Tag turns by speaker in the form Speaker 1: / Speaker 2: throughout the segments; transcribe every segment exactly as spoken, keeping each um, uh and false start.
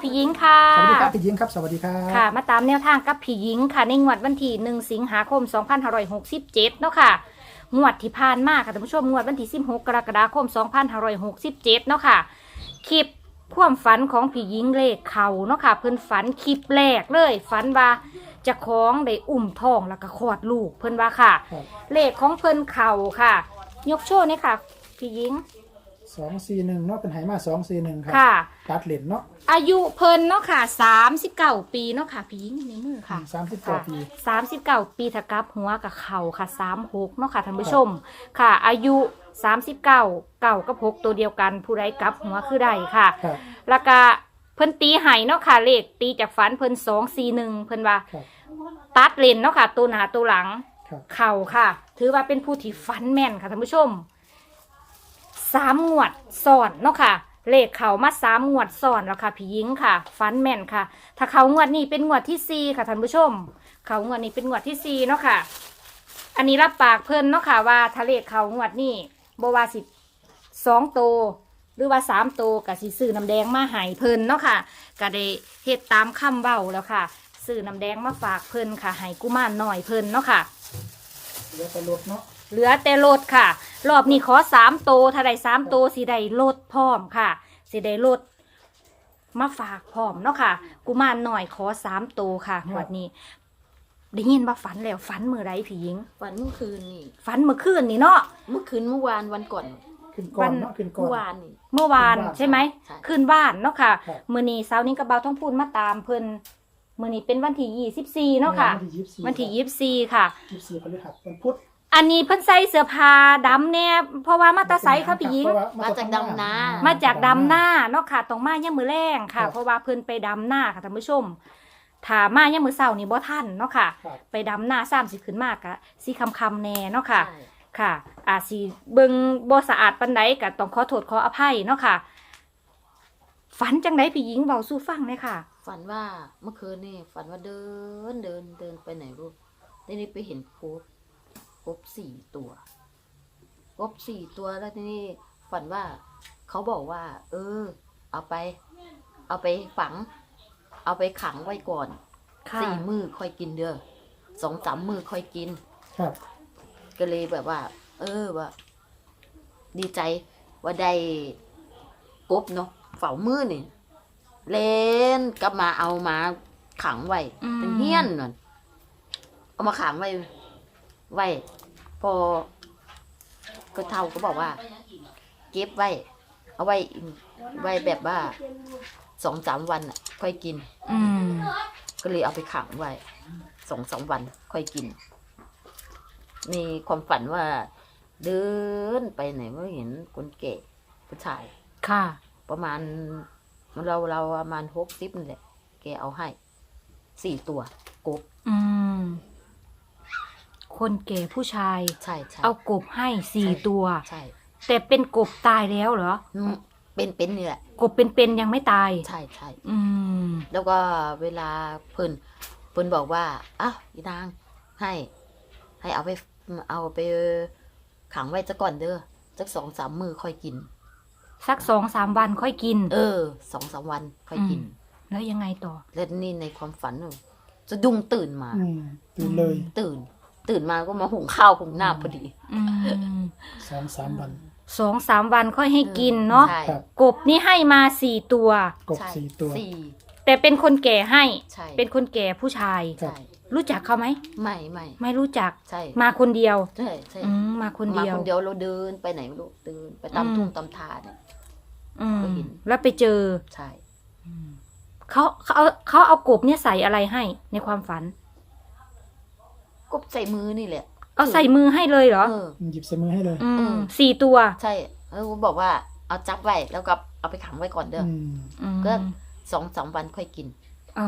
Speaker 1: พี่หญิงค่ะ
Speaker 2: สวัสดีครับพี่หญิงครับสวัสดีครับ
Speaker 1: ค่ะมาตามแนวทางกับพี่หญิงค่ะในงวดวันที่หนึ่งสิงหาคมสองพันห้าร้อยหกสิบเจ็ดเนาะค่ะงวดที่ผ่านมาค่ะท่านผู้ชมงวดวันที่สิบหกกรกฎาคมสองพันห้าร้อยหกสิบเจ็ดเนาะค่ะคลิปความฝันของพี่หญิงเลขเขาเนาะค่ะเพิ่นฝันคลิปแรกเลยฝันว่าจะคล้องได้อุ้มท้องแล้วก็คลอดลูกเพิ่นว่าค่ะเลขของเพิ่นเข่าค่ะยกโชว์นี่ค่ะพี่หญิง
Speaker 2: สองสี่หนึ่งเนาะเป็นไหมาสองสี่หนึ่งครับ
Speaker 1: ค่ะ
Speaker 2: ตัดเหรียญเนาะ
Speaker 1: อายุเพิ่นเนาะค่ะสามสิบเก้าปีเนาะค่ะพี่หญิงในมือค่ะ
Speaker 2: สามสิบเก้าปี
Speaker 1: สามสิบเก้าปีถ้ากลับหัวกับเข่าค่ะสามหกเนาะค่ะท่านผู้ชมค่ะอายุสามสิบเก้าเก้ากับหกตัวเดียวกันผู้ใดกลับหัวคือใดค่ะแล้วก็เพิ่นตีไห้เนาะค่ะเลขตีจากฝันเพิ่นสองสี่หนึ่งเพิ่นว่าตัดเลนเนาะค่ะตัวหน้าตัวหลังเข่าค่ะถือว่าเป็นผู้ที่ฝันแม่นค่ะท่านผู้ชมสามงวดซ้อนเนาะค่ะเลขเขามาสามงวดซ้อนแล้วค่ะพี่หญิงค่ะฟันแม่นค่ะถ้าเขางวดนี้เป็นงวดที่สี่ค่ะท่านผู้ชมเขางวดนี้เป็นงวดที่สี่เนาะค่ะอันนี้รับปากเพิ่นเนาะค่ะว่าถ้าเลขเขางวดนี้บ่ว่าสิสองโตหรือว่าสามโตกับสิซื้อน้ำแดงมาให้เพิ่นเนาะค่ะก็ได้เฮ็ดตามคำเว้าแล้วค่ะซื้อน้ำแดงมาฝากเพิ่นค่ะให้กุมารน้อยเพิ่นเนาะค่ะ
Speaker 2: เหลือแต่รถเนาะ
Speaker 1: เหลือแต่รถค่ะรอบนี้ขอสามโตถ้าได้สามโตสิได้รถพร้อมค่ะสิได้รถมาฝากพร้อมเนาะค่ะกุมารหน่อยขอสามโตค่ะงวดนี้ได้ยินว่าฝันแล้วฝันเมื่อไรพี่หญิง
Speaker 3: ฝันเมื่อคืนนี่
Speaker 1: ฝันเมื่อคืนนี่เนาะ
Speaker 3: เมื่อคืนเมื่อวานวันก่อน
Speaker 2: ขึ้นก่อนเนาะขึ้นก่อน
Speaker 3: เมื่อวานนี่
Speaker 1: เมื่อวานใช่ไหมคืนบ้านเนาะค่ะ
Speaker 2: ครับ
Speaker 1: มื้อนี้เช้านี้กระเบาท้องพูนมาตามเพิ่นมื้อนี้เป็นวันที่ยี่สิบสี่เนาะค่ะวันที่ยี่สิบสี่ค่ะ
Speaker 2: ยี่สิบสี่พฤหัสวันพุธ
Speaker 1: อันนี้เพิ่นใส่เสื้อผ้าดำเนี่ยเพราะว่ามาตาไซค่ะพี่หญิง
Speaker 3: มาจากดำนา
Speaker 1: มาจากดำหน้าเนาะค่ะตรงมาย่ามมือแรงค่ะเพราะว่าเพิ่นไปดำหน้าค่ะท่านผู้ชมถ้ามาย่ามมือเช้านี่บ่ทันเนาะค่ะไปดำหน้าซ้ำสิขึ้นมากะสิคำคำแน่เนาะค่ะค่ะอาจสิเบิ่งบ่สะอาดปานใดก็ต้องขอโทษขออภัยเนาะค่ะฝันจังไดพี่หญิงเว้าสู่ฟังเลยค่ะ
Speaker 3: ฝันว่าเมื่อคืนนี่ฝันว่าเดินเดินเดินไปไหนรู้ทีนี้ไปเห็นกบกบสี่ตัวกบสี่ตัวแล้วทีนี้ฝันว่าเขาบอกว่า เออ เอาไป เอาไปฝัง เอาไปขังไว้ก่อนสี่มือค่อยกินเด้อสองสามมือค่อยกิน
Speaker 2: ครับ
Speaker 3: ก็เลยแบบว่า เออว่าดีใจว่าได้กบเนาะเฝ้ามือนี่เล่นกลับมาเอามาขังไว้เป็นเฮี้ยนนั่นเอามาขังไว้ไว้พอก็เท่าก็บอกว่าเก็บไว้เอาไว้ไว้แบบว่าสองสามวันอ่ะค่อยกิน
Speaker 1: อืม
Speaker 3: ก็เลยเอาไปขังไว้สองสามวันค่อยกินมีความฝันว่าเดินไปไหนไม่เห็นคนแก่ผู้ชาย
Speaker 1: ค่ะ
Speaker 3: ประมาณเราเราประมาณหกสิบนี่แหละแกเอาให้สี่ตัวกบ
Speaker 1: อืมคนแก่ผู้ชาย
Speaker 3: ใช่ใช่
Speaker 1: เอากบให้สี่ตัว
Speaker 3: ใช่
Speaker 1: แต่เป็นกบตายแล้วเหรอ
Speaker 3: เป็นเป็นนี่แหละ
Speaker 1: กบเป็นๆยังไม่ตาย
Speaker 3: ใช่ใช่
Speaker 1: อืม
Speaker 3: แล้วก็เวลาเพิ่นเพิ่นบอกว่าอ้าวอีนางให้ ให้เอาไปเอาไปขังไว้ซะก่อนเด้อสักสองสามมือค่อยกิน
Speaker 1: สักสองสามวันค่อยกิน
Speaker 3: เออสองสามวันค่อยกิน
Speaker 1: แล้วยังไงต่อ
Speaker 3: แล้วนี่ในความฝันจะดุ้งตื่นมา
Speaker 2: ตื่นเลย
Speaker 3: ตื่นตื่นมาก็มาหุงข้าวหุงน้ำพอดี
Speaker 2: สองสามวัน
Speaker 1: สองสามวันค่อยให้กินเนาะกบนี่ให้มาสี่ตัว
Speaker 2: กบสี่ตัว
Speaker 1: แต่เป็นคนแก่ให้เป็นคนแก่ผู้ชายรู้จักเขาไหม
Speaker 3: ไม่ไม่
Speaker 1: ไม่รู้จัก
Speaker 3: ใช่
Speaker 1: มาคนเดียว
Speaker 3: ใช่ใช่
Speaker 1: มาคนเดียว
Speaker 3: มาคนเดียวเราเดินไปไหนไม่รู้เดินไปตามทุ่งตามทาเนี่ย
Speaker 1: ก็เห็นแล้วไปเจอ
Speaker 3: ใช่
Speaker 1: เขาเขาเอาเขาเอากบเนี่ยใส่อะไรให้ในความฝัน
Speaker 3: กบใส่มือนี่แหละ
Speaker 1: เอาใส่มือให้เลยเหรอ
Speaker 2: หยิบใส่มือให้เลย
Speaker 1: สี่ตัว
Speaker 3: ใช่แล้วบอกว่าเอาจับไว้แล้วก็เอาไปขังไว้ก่อนเด้อก็สองสามวันค่อยกิน
Speaker 1: อ๋อ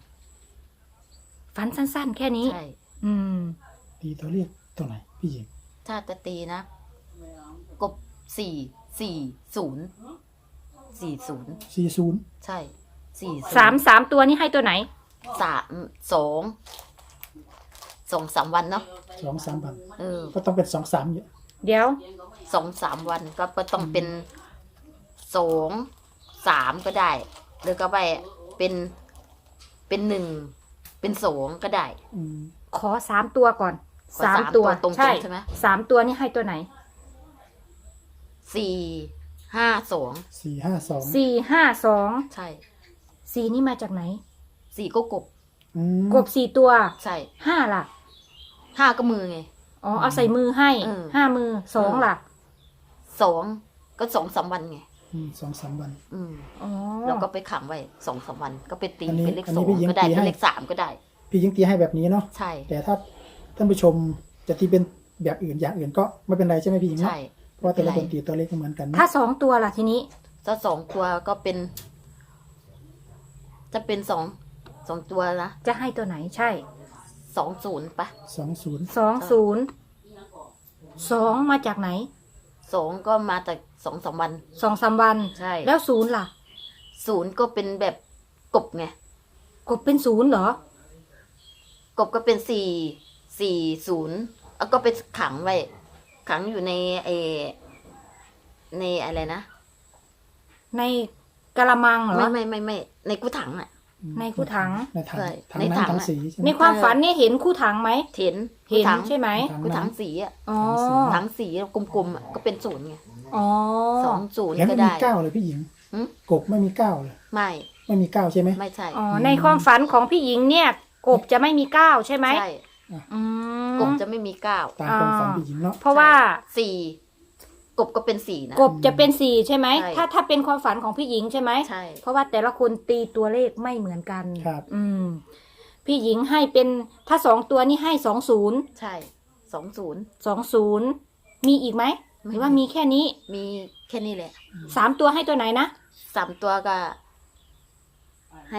Speaker 1: ฝันสั้นๆแค่นี้
Speaker 3: ใช่
Speaker 1: อืม
Speaker 2: ตีตัวเรียกตัวไหนพี่หญิง
Speaker 3: ถ้าจะตีนะกบสี่สี่ศูนย์สี่ศูนย์
Speaker 2: สี่ศูนย์
Speaker 3: ใช่สี่
Speaker 1: สามสามตัวนี้ให้ตัวไหน
Speaker 3: สามสองสองสามวันเนาะ
Speaker 2: สองสามวัน
Speaker 3: เออ
Speaker 2: ก็ต้องเป็นสองสาม
Speaker 1: เดี๋ยว
Speaker 3: สองสามวันก็ต้องเป็นสองสามก็ได้หรือก็ไปเป็นเป็นหนึ่งเป็นสองก็ได้
Speaker 2: อืม
Speaker 1: ขอสามตัวก่อน
Speaker 3: ขอ
Speaker 1: สาม
Speaker 3: สาม
Speaker 1: ตัว
Speaker 3: ตัวตรงๆ
Speaker 1: ใช่
Speaker 3: ใช่ไหม
Speaker 1: สามตัวนี่ให้ตัวไหน
Speaker 3: สี่ห้าสอง
Speaker 2: สี่ห้าสอง
Speaker 1: สี่ห้าสอง
Speaker 3: ใช่
Speaker 1: สี่นี่มาจากไหน
Speaker 3: สี่ก็กบ
Speaker 2: อืม
Speaker 1: กบสี่ตัว
Speaker 3: ใช่
Speaker 1: ห้าล่ะ
Speaker 3: ห้าก็มือไง
Speaker 1: อ๋อเอาใส่มือให้
Speaker 3: เออ
Speaker 1: ห้ามือสองล่ะ
Speaker 3: สองก็สองสามวันไง
Speaker 2: อืมสองสามวัน
Speaker 3: อืม
Speaker 1: อ๋อ
Speaker 3: แล้วก็ไปขังไว้สองสามวัน ก็ไปตี
Speaker 2: อันนี้
Speaker 3: เป็นเลข
Speaker 2: อัน
Speaker 3: ส
Speaker 2: นี้
Speaker 3: อง
Speaker 2: พี่หญิง
Speaker 3: ก็ได้
Speaker 2: ตีให้
Speaker 3: เป็นเลขสามก็ได้
Speaker 2: พี่ยิงตีให้แบบนี้เนาะ
Speaker 3: ใช่
Speaker 2: แต่ถ้าท่านผู้ชมจะตีเป็นแบบอื่นอย่างอื่นก็ไม่เป็นไรใช่ไหมพี่หญิงเนาะ
Speaker 3: ใช่
Speaker 2: เพราะว่าแต่ละคนตีตัวเลขไม่เหมือนกันเนอะ
Speaker 1: ถ้าสองตัวล่ะทีนี้
Speaker 3: ถ้าสองตัวก็เป็น จะเป็นสองสองตัวนะ
Speaker 1: จะให้ตัวไหนใช่
Speaker 3: สองศูนย์ปะ
Speaker 2: สองศูนย์
Speaker 1: สองศูนย์สองมาจากไหน
Speaker 3: สองก็มาจากสองสามวัน
Speaker 1: สองสามวัน
Speaker 3: ใช่
Speaker 1: แล้วศูนย์ล่ะ
Speaker 3: ศูนย์ก็เป็นแบบกบไง
Speaker 1: กบเป็นศูนย์เหรอ
Speaker 3: กบก็เป็นสี่สี่ศูนย์แล้วก็ไปขังไว้ ขังอยู่ในเอในอะไรนะ
Speaker 1: ในกะละมังเหรอ
Speaker 3: ไม่ไม่ไม่ไม่ในกู้ถังอ่ะ
Speaker 1: ในคู่ถัง
Speaker 2: ในถัง
Speaker 3: ใช่
Speaker 2: ถัง
Speaker 3: ในถัง
Speaker 2: น้ำถัง
Speaker 3: อะ
Speaker 2: สีใช่ไหม
Speaker 1: ในความฝันเนี่ยเห็นคู่ถังไหม
Speaker 3: เห็น
Speaker 1: เห็น
Speaker 3: ถัง
Speaker 1: ใช่ไหม
Speaker 3: กู้ถังสีอ่ะ
Speaker 1: อ๋อ
Speaker 3: ถังสีกลมๆอ่ะก็เป็นศูนย์ไง
Speaker 1: อ๋อ
Speaker 3: สองศูนย์
Speaker 2: แล้ว
Speaker 3: ก็
Speaker 2: ไม่มี
Speaker 3: ได้
Speaker 2: เก้าเลยพี่หญิง
Speaker 3: หืม
Speaker 2: กบไม่มีเก้าเลย
Speaker 3: ไม่
Speaker 2: ไม่มีเก้าใช่ไหม
Speaker 3: ไม่ใช่
Speaker 1: อ๋อ ในความฝันของพี่หญิงเนี่ย กบจะไม่มีก้าวใช่ไหม
Speaker 3: ใช่
Speaker 1: อืม
Speaker 3: กบจะไม่มีเก้า
Speaker 2: ตามความฝันพี่หญิงเนาะ
Speaker 1: เพราะว่า
Speaker 3: สี่กบก็เป็นสี่นะ
Speaker 1: กบจะเป็นสี่ใช่ไหม
Speaker 3: ใช่
Speaker 1: ถ้าถ้าเป็นความฝันของพี่หญิงใช่ไหม
Speaker 3: ใช่
Speaker 1: เพราะว่าแต่ละคนตีตัวเลขไม่เหมือนกัน
Speaker 2: ครับ
Speaker 1: อืม พี่หญิงให้เป็นถ้าสองตัวนี่ให้สองศูนย์
Speaker 3: ใช่สองศูนย์
Speaker 1: สองศูนย์มีอีกไหม
Speaker 3: ไม่
Speaker 1: หรือว่ามีแค่นี้
Speaker 3: มีแค่นี้แหละ
Speaker 1: สามตัวให้ตัวไหนนะ
Speaker 3: สามตัวก็ ให้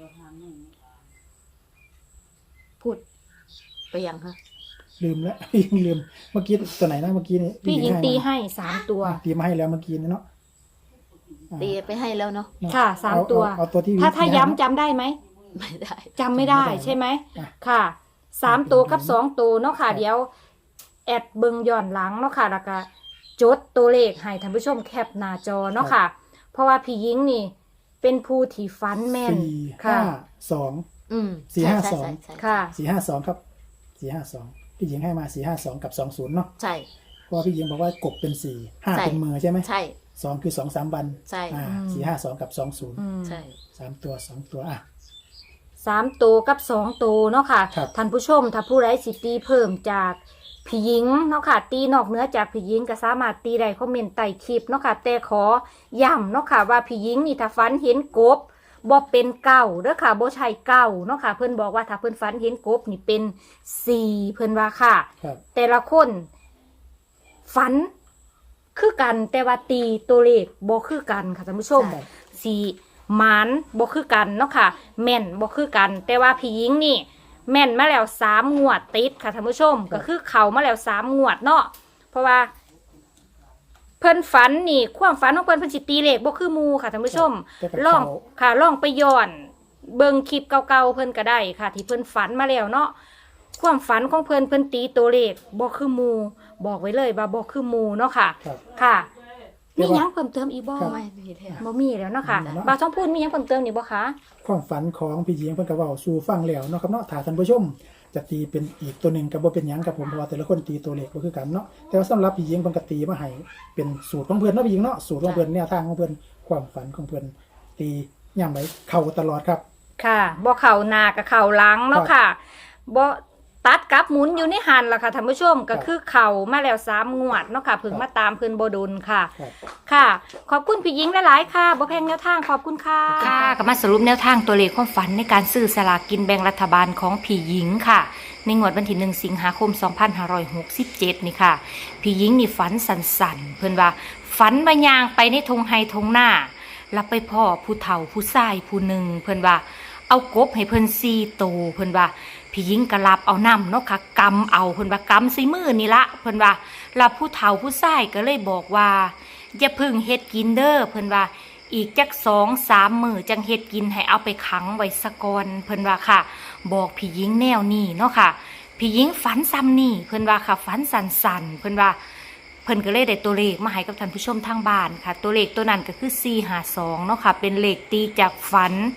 Speaker 3: พูด ไปยังฮะ
Speaker 2: ลืมแล้ว พี่หญิงลืมเมื่อกี้ตัวไหนนะเมื่อกี้นี่
Speaker 1: พี่หญิงตี
Speaker 2: ให้
Speaker 1: ให้สามตัว
Speaker 2: มาตีมาให้แล้วเมื่อกี้นี่เนาะอ่า
Speaker 3: ตีไปให้แล้วเนาะ
Speaker 2: เนอะ
Speaker 1: ค่ะสาม
Speaker 2: เอ
Speaker 1: ตัว
Speaker 2: เอาเอาตัวที่
Speaker 1: ถ้าถ้า
Speaker 2: ให้
Speaker 1: ย้ำจำได้ไหม
Speaker 3: ไม่ได้
Speaker 1: จำไม่ได้
Speaker 2: จำไม่ได้
Speaker 1: ใช่ไหม
Speaker 2: อ่ะ
Speaker 1: ค่ะสามตัวกับ
Speaker 2: เป็น
Speaker 1: สองตัวเนาะค่ะ
Speaker 2: ครับ
Speaker 1: เดี๋ยว แอดเบิงย้อนหลังเนาะค่ะแล้วก็จดตัวเลขให้ท่านผู้ชมแคปหน้าจอเนาะค่ะ เพราะว่าพี่หญิงนี่ เป็นผู้ที่ฟันแม่น
Speaker 2: สี่
Speaker 1: ค่ะ
Speaker 2: ห้าสอง
Speaker 3: อืม
Speaker 2: สี่ห้าสอง
Speaker 3: ใช่ใช่ใช่
Speaker 1: ค่ะ
Speaker 2: สี่ห้าสองครับสี่ห้าสองพี่หญิงให้มาสี่ห้าสองกับสองศูนย์เนาะ
Speaker 3: ใช่
Speaker 2: เพราะว่าพี่หญิงบอกว่ากบเป็นสี่ห้า
Speaker 3: ใช่
Speaker 2: เป็นมือใช่ไหม
Speaker 3: ใช่
Speaker 2: สองคือสองสามวัน
Speaker 3: ใช่
Speaker 2: อ่า
Speaker 1: อืม
Speaker 2: สี่ห้าสองกับสองศูนย์
Speaker 1: อืม
Speaker 3: ใช่
Speaker 2: สามตัวสองตัวอ่ะ
Speaker 1: สามตัวกับสองตัวเนาะค่ะ
Speaker 2: ครับ
Speaker 1: ท่านผู้ชมถ้าผู้ไร้สิทธิ์ตีเพิ่มจากพี่หญิงเนาะค่ะ ตีนอกเหนือจากพี่หญิงก็สามารถตีได้คอมเมนต์ใต้คลิปเนาะค่ะ แต่ขอย้ำเนาะค่ะว่าพี่หญิงนี่ถ้าฝันเห็นกบบ่เป็นเก่าเด้อค่ะบ่ใช่เก่าเนาะค่ะ เพิ่นบอกว่าถ้าเพิ่นฝันเห็นกบนี่เป็นสี่เพิ่นว่าค่ะ
Speaker 2: ครับ
Speaker 1: แต่ละคนฝันคือกันแต่ว่าตีตัวเลขบ่คือกันค่ะท่านผู้ชม
Speaker 2: ครับ
Speaker 1: สีหมานบ่คือกันเนาะค่ะ แม่นบ่คือกัน แต่ว่าพี่หญิงนี่ แม่นมาแล้วสามงวดติดค่ะท่านผู้ชม ก็คือเขามาแล้วสามงวดเนาะเพราะว่า เพิ่นฝันนี่ความฝันของเพิ่นเพิ่นสิตีเลขบ่คือหมู่ค่ะท่านผู้ชม
Speaker 2: แต่กับ
Speaker 1: ลอง
Speaker 2: เขา
Speaker 1: ค่ะลองไปย้อน เบิ่งคลิปเก่าๆเพิ่นก็ได้ค่ะ ที่เพิ่นฝันมาแล้วเนาะความฝันของเพิ่นเพิ่นตีตัวเลขบ่คือหมู่บอกไว้เลยว่าบ่คือหมู่เนาะค่ะ
Speaker 2: ครับ
Speaker 1: ค่ะ
Speaker 2: เรี
Speaker 1: มี
Speaker 2: ยกว่า
Speaker 1: หยังเพิ่มเติมอีกบ่
Speaker 2: ครับ
Speaker 3: ไม่มีแล้ว
Speaker 1: บ่มีแล้วเนาะค่ะ
Speaker 2: อืม
Speaker 1: บ่าวท้องพูดมีหยังเพิ่มเติมนี่บ่คะ
Speaker 2: ความฝันของพี่หญิงเพิ่นก็เว้าสู่ฟังแล้วเนาะครับเนาะถ้าท่านผู้ชม จะตีเป็นอีกตัวหนึ่งก็บ่เป็นหยังครับผมเพราะว่าแต่ละคนตีตัวเลขบ่คือกันเนาะแต่ว่าสำหรับพี่หญิงเพิ่นก็ตีมาให้เป็นสูตรของเพิ่นเนาะพี่หญิงเนาะสูตรของเพิ่นแนวทางของเพิ่นความฝันของเพิ่นตีย่ำไว้เข้าตลอดครับ
Speaker 1: ค่ะบ่เข่าหน้ากับเข่าหลังเนาะค่ะบ่ตัดกับหมุนอยู่ในหันล่ะค่ะท่านผู้ชมก็คือเข่ามาแล้วสามงวดเนาะค่ะเพิ่งมาตามเพิ่นบ่ดนค่ะ
Speaker 2: ครับ
Speaker 1: ค่ะ ขอบคุณพี่หญิงหลายๆค่ะบ่แพงแนวทางขอบคุณค่ะค่ะก็มาสรุปแนวทางตัวเลขความฝันในการซื้อสลากกินแบ่งรัฐบาลของพี่หญิงค่ะ ในงวดวันที่หนึ่งสิงหาคมสองพันห้าร้อยหกสิบเจ็ดนี่ค่ะพี่หญิงนี่ฝันสั่นๆเพิ่นว่าฝันว่ายางไปในทงไฮทงหน้าแล้วไปพ่อผู้เฒ่าผู้ชายผู้หนึ่งเพิ่นว่าเอากบให้เพิ่นสี่ตัวเพิ่นว่าพี่หญิงก็รับเอาน้ำเนาะค่ะกำเอาเพิ่นว่ากำใส่มือนี่ละเพิ่นว่าแล้วผู้เฒ่าผู้ชายก็เลยบอกว่าอย่าเพึ่งเฮ็ดกินเด้อเพิ่นว่าอีกจักสองสามมื้อจังเฮ็ดกินให้เอาไปขังไว้ซะก่อนเพิ่นว่าค่ะ บอกพี่หญิงแนวนี้เนาะค่ะพี่หญิงฝันซ้ำนี่เพิ่นว่าค่ะฝันสั่นๆเพิ่นว่าเพิ่นก็เลยได้ตัวเลขมาให้กับท่านผู้ชมทางบ้านค่ะ ตัวเลขตัวนั้นก็คือสี่ห้าสองเนาะค่ะเป็นเลขตีจากฝัน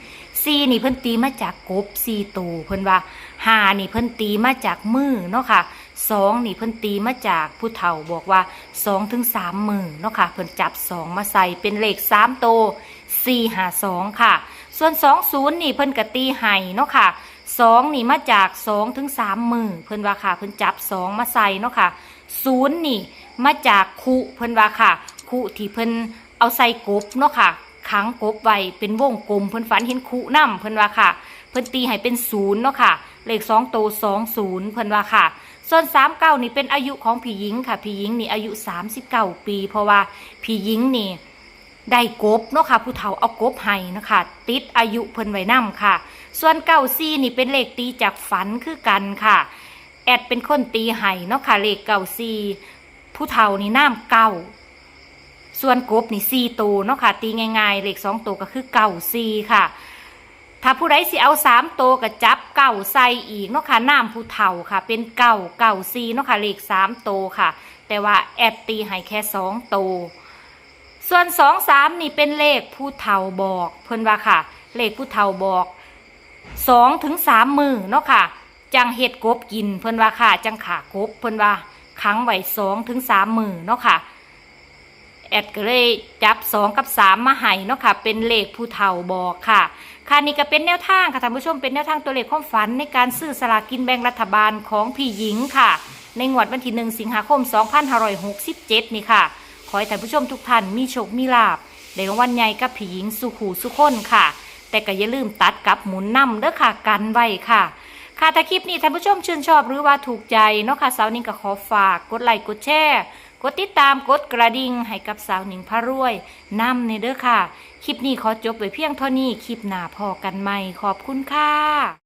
Speaker 1: สี่นี่เพิ่นตีมาจากกบสี่ตัวเพิ่นว่าห้านี่เพิ่นตีมาจากมือเนาะค่ะสองนี่เพิ่นตีมาจากผู้เฒ่าบอกว่าสองถึงสามมือเนาะค่ะเพิ่นจับสองมาใส่เป็นเลขสามตัวสี่ห้าสองค่ะส่วนสองศูนย์นี่เพิ่นก็ตีให้เนาะค่ะสองนี่มาจากสองถึงสามมือเพิ่นว่าค่ะเพิ่นจับสองมาใส่เนาะค่ะศูนย์นี่มาจากคุเพิ่นว่าค่ะคุที่เพิ่นเอาใส่กบเนาะค่ะขังกบไว้เป็นวงกลมเพิ่นฝันเห็นคุนำเพิ่นว่าค่ะเพิ่นตีให้เป็นศูนย์เนาะค่ะเลขสองตัวสองศูนย์เพิ่นว่าค่ะส่วนสามเก้านี่เป็นอายุของพี่หญิงค่ะพี่หญิงนี่อายุสามสิบเก้าปีเพราะว่าพี่หญิงนี่ได้กบเนาะค่ะผู้เฒ่าเอากบให้เนาะค่ะติดอายุเพิ่นไว้นำค่ะส่วนเก้าสี่นี่เป็นเลขตีจากฝันคือกันค่ะแอดเป็นคนตีให้เนาะค่ะเลขเก้าสี่ผู้เฒ่านี่น้ำเก้าส่วนกบนี่สี่ตัวเนาะค่ะตีง่ายๆเลขสองตัวก็คือเก้าสี่ค่ะถ้าผู้ใดสิเอาสามตัวก็จับเก้าใส่อีกเนาะค่ะน้ำผู้เฒ่าค่ะเป็นเก้าเก้าสี่เนาะค่ะเลขสามตัวค่ะแต่ว่าแอดตีให้แค่สองตัวส่วนสองสามนี่เป็นเลขผู้เฒ่าบอกเพิ่นว่าค่ะเลขผู้เฒ่าบอกสองถึงสามมือเนาะค่ะจังเห็ดกบกินเพิ่นว่าค่ะจังขากบเพิ่นว่าขังไว้สองถึงสามมือเนาะค่ะแอดก็เลยจับสองกับสามมาให้เนาะค่ะเป็นเลขผู้เฒ่าบอกค่ะค่ะนี่ก็เป็นแนวทางค่ะท่านผู้ชมเป็นแนวทางตัวเลขความฝันในการซื้อสลากกินแบ่งรัฐบาลของพี่หญิงค่ะในงวดวันที่หนึ่งสิงหาคมสองพันห้าร้อยหกสิบเจ็ดนี่ค่ะขอให้ท่านผู้ชมทุกท่านมีโชคมีลาภในรางวัลใหญ่กับพี่หญิงสุขูสุขคนค่ะแต่ก็อย่าลืมตัดกับหมุนนำเด้อค่ะกันไว้ค่ะค่ะถ้าคลิปนี้ท่านผู้ชมชื่นชอบหรือว่าถูกใจเนาะค่ะสาวนิ่งก็ขอฝากกดไลค์กดแชร์กดติดตามกดกระดิ่งให้กับสาวหนิงพระรวยนำในเด้อค่ะคลิปนี้ขอจบไว้เพียงเท่านี้คลิปหน้าพอกันใหม่ขอบคุณค่ะ